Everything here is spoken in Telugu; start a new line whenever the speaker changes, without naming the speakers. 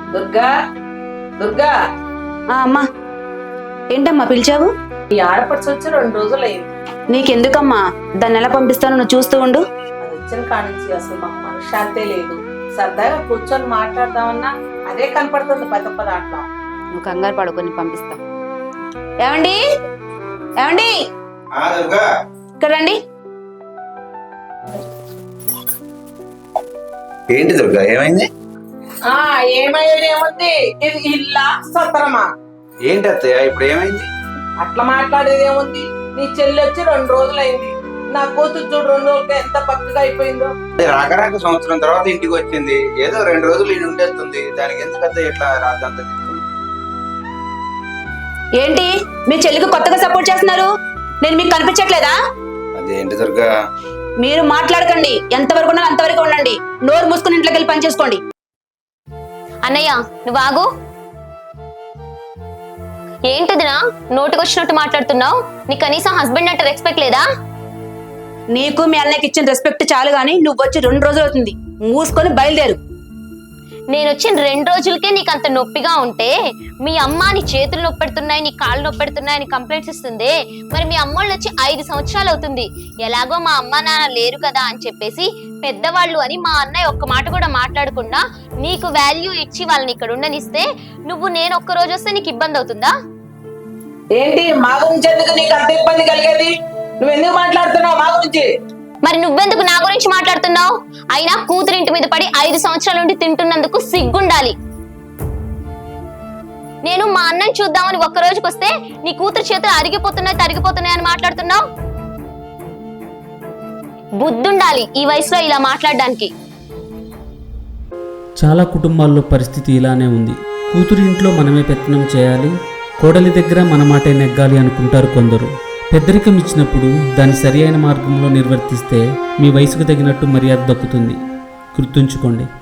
దుర్గా దుర్గా
అమ్మా, ఏంటమ్మా పిలిచావు?
ఈ ఆడపడిచి వచ్చి 2 రోజులు అయింది.
నీకెందుకమ్మా? దాన్ని ఎలా పంపిస్తాను, నువ్వు చూస్తూ ఉండు.
అది వచ్చిన కానించి అసలు మాకు మనశ్శాంతే లేదు. సరదాగా కూర్చొని మాట్లాడదామన్నా అదే కనపడుతుంది పద అట్లా.
నువ్వు కంగారు పడుకొని పంపిస్తా. ఏమండి ఏమండి, ఇక్కడ రండి.
ఏంటి దుర్గా, ఏమైంది?
ఏమైంది? ఇది ఇల్లా సత్రమా?
ఏంటి అత్తయ్య ఇప్పుడు ఏమైంది?
అట్లా మాట్లాడేది ఏముంది? నీ చెల్లి వచ్చి 2 రోజులు అయింది. నా కూతురు చూడు 2 రోజులకి ఎంత పక్కగా అయిపోయిందో.
రాక సంవత్సరం తర్వాత ఇంటికి వచ్చింది, ఏదో 2 రోజులు ఇంటి ఉండేస్తుంది. దానికి ఎందుకు అత్తయ్య ఇట్లా రాద్దంతా చెప్తుంది?
ఏంటి మీ చెల్లికి కొత్తగా సపోర్ట్ చేస్తున్నారు? నేను మీకు కనిపించట్లేదా?
అదేంటి దుర్గా?
మీరు మాట్లాడకండి, ఎంతవరకు ఉన్నా అంతవరకు ఉండండి. నోరు మూసుకుని ఇంట్లోకి వెళ్ళి పని చేసుకోండి.
అన్నయ్య నువ్వు ఆగు. ఏంటిదినా నోటికొచ్చినట్టు మాట్లాడుతున్నావు? నీ కనీసం హస్బెండ్ అంటే రెస్పెక్ట్ లేదా?
నీకు మీ అన్నయ్యకి ఇచ్చిన రెస్పెక్ట్ చాలు గానీ నువ్వు వచ్చి 2 రోజులు అవుతుంది. మూసుకొని బయలుదేరు.
నేను వచ్చిన 2 రోజులకే నీకు అంత నొప్పిగా ఉంటే మీ అమ్మ నీ చేతులు నొప్పెడుతున్నాయి, నీ కాళ్ళు నొప్పెడుతున్నాయి అని కంప్లైంట్స్ ఇస్తుంది. మరి మీ అమ్మోళ్ళు వచ్చి 5 సంవత్సరాలు అవుతుంది. ఎలాగో మా అమ్మ నాన్న లేరు కదా అని చెప్పేసి పెద్దవాళ్ళు అని మా అన్నయ్య ఒక్క మాట కూడా మాట్లాడకుండా నీకు వాల్యూ ఇచ్చి వాళ్ళని ఇక్కడ ఉండనిస్తే నువ్వు నేను ఒక్క రోజు వస్తే నీకు ఇబ్బంది అవుతుందా?
ఏంటి మా గురించి ఎందుకు నీకు అంత ఇబ్బంది కలిగేది? నువ్వు ఎందుకు మాట్లాడుతున్నావు మా గురించి?
మరి నువ్వెందుకు నా గురించి మాట్లాడుతున్నావు? అయినా కూతురింటి మీద పడి 5 సంవత్సరాల నుండి తింటున్నందుకు సిగ్గుండాలి. నేను మా అన్నని చూద్దామని ఒక్క రోజుకి వస్తే నీ కూతురు చేతులు తరిగిపోతున్నాయి అని మాట్లాడుతున్నావు. బుద్ధుండాలి ఈ వయసులో ఇలా మాట్లాడడానికి.
చాలా కుటుంబాల్లో పరిస్థితి ఇలానే ఉంది. కూతురి ఇంట్లో మనమే పెత్తనం చేయాలి, కోడలి దగ్గర మన మాటే నెగ్గాలి అనుకుంటారు కొందరు. పెద్దరికం ఇచ్చినప్పుడు దాన్ని సరి అయిన మార్గంలో నిర్వర్తిస్తే మీ వయసుకు తగినట్టు మర్యాద దక్కుతుంది. గుర్తుంచుకోండి.